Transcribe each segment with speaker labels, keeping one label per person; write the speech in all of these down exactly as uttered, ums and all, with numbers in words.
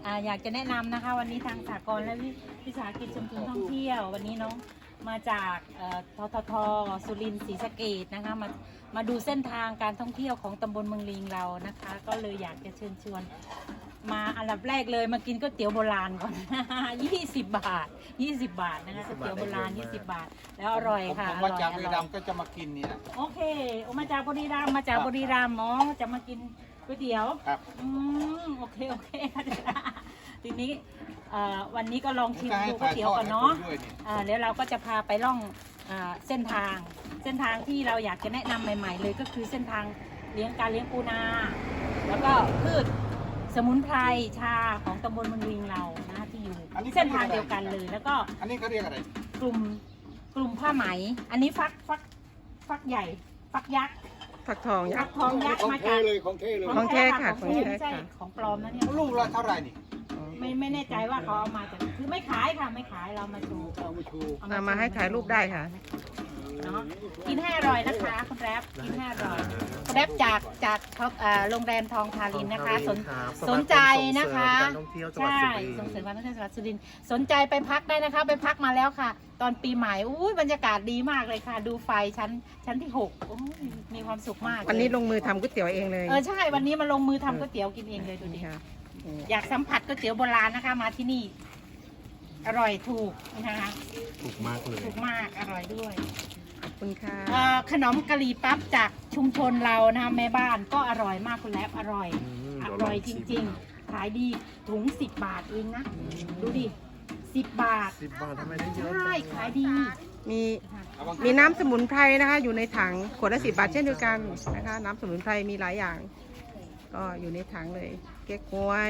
Speaker 1: อ่าอยากจะแนะนำนะคะวันนี้ทางสหกรณ์และวิสาหกิจชุมชนท่องเที่ยววันนี้น้องมาจากเอ่อทททสุรินทร์ศรีสะเกษนะคะมามาดูเส้นทางการท่องเที่ยวของตำบลเมืองลิงเรานะคะ ก็เลยอยากจะเชิญชวนมาอันดับแรกเลยมากินก๋วยเตี๋ยวโบราณก่อน ยี่สิบบาทยี่สิบบาทนะคะก๋วยเตี๋ยวโบราณยี่สิบบาทแล้วอร่อยค่ะ
Speaker 2: ผม
Speaker 1: อ
Speaker 2: มา
Speaker 1: ร่อย
Speaker 2: จาก
Speaker 1: อ
Speaker 2: บุรี
Speaker 1: ร่
Speaker 2: รั
Speaker 1: อย
Speaker 2: มย์ก็จะมากินเนี่ย
Speaker 1: โอเคโอมาจากบุรีรัมย์มาจากบุรีรัมย์อ๋อจะมากินก๋วยเตี๋ยว
Speaker 2: ครับ
Speaker 1: อืมโอเคโอเค ทีนี้เอ่อวันนี้ก็ลองชิมดูก๋วยเตี๋ยวก่อนเนาะอ่าเดี๋ยวเราก็จะพาไปล่องอ่าเส้นทาง เส้นทางที่เราอยากจะแนะนำใหม่ ๆ เลยก็คือเส้นทางเลี้ยงการเลี้ยงปูนา แล้วก็พืชสมุนไพรชาของตำบลเมืองลิงเรานะที่อยู่เส้นทางเดียวกันเลย แล้วก็
Speaker 2: อันนี้เขาเรียกอะไร
Speaker 1: กลุ่มกลุ่มผ้าไหม อันนี้ฟักฟักฟักใหญ่ ฟักยักษ์
Speaker 3: ผักทองยั
Speaker 1: ฟั
Speaker 3: ก
Speaker 1: ก
Speaker 3: ษ์
Speaker 1: ทองยักษ์
Speaker 2: ของ
Speaker 1: มา
Speaker 2: เท
Speaker 1: จาก
Speaker 2: เลยของเทเลย
Speaker 3: ของแท้ค่ะ
Speaker 1: ของแท้
Speaker 3: ของแท้
Speaker 1: ไม่ใช่
Speaker 3: ค่ะ
Speaker 1: ของปลอมนะเนี่ย
Speaker 2: ลูกละเท่าไหร่นี่
Speaker 1: ไม่ไม่แน่ใจว่าเขาเอามาจากคือไม่ขายค่ะไม่ขายเรามาโชว์
Speaker 2: เอามาชู
Speaker 1: เอ
Speaker 3: เอามาให้ถ่ายรูปได้ค่ะ
Speaker 1: เนาะกินให้อร่อยนะคะคุณแรปกินให้อร่อยคุณแรปจากจากท็อปอ่าโรงแรมทองทารินนะคะ สนสนใจนะคะใช่ส่งเสริมการท่องเที่ยวจังหวัดสุรินทร์สนใจไปพักได้นะคะ ไปพักมาแล้วค่ะ ตอนปีใหม่อุ้ยบรรยากาศดีมากเลยค่ะ ดูไฟชั้นชั้นที่หกโอ้ยมีความสุขมากเลย
Speaker 3: วันนี้ลงมือทำก๋วยเตี๋ยวเองเลย
Speaker 1: เออใช่วันนี้มาลงมือทำก๋วยเตี๋ยวกินเองเลยดูดิ
Speaker 3: นี่ค่ะนี่
Speaker 1: อยากสัมผัสก๋วยเตี๋ยวโบราณนะคะ มาที่นี่ อร่อยถูกนะคะ
Speaker 4: ถูกมากเลย
Speaker 1: ถูกมากอร่อยด้วย
Speaker 3: ขอบคุณค่ะ
Speaker 1: เอ่อขนมกะหรี่ปั๊บจากชุมชนเรานะคะแม่บ้านก็อร่อยมากคุณแลบอร่อย
Speaker 4: ม
Speaker 1: อ
Speaker 4: เดี๋วล
Speaker 1: ร่อยจ
Speaker 4: ชิม
Speaker 1: ริงๆ ขายดีถุงสิบบาทเองนะ ดูดิสิบบาท
Speaker 4: สิบบาททำไมได้เยอะ
Speaker 1: ใช่ขายดี
Speaker 3: มีมีน้ำสมุนไพรนะคะ อยู่ในถังขวดละสิบบาทเช่นเดียวกันนะคะ น้ำสมุนไพรมีหลายอย่าง ก็อยู่ในถังเลย เก๊กฮวย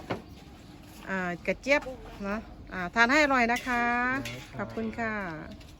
Speaker 3: น้ำอ่ากระเจี๊ยบเนาะอ่าทานให้อร่อยนะคะ ขอบคุณค่ะ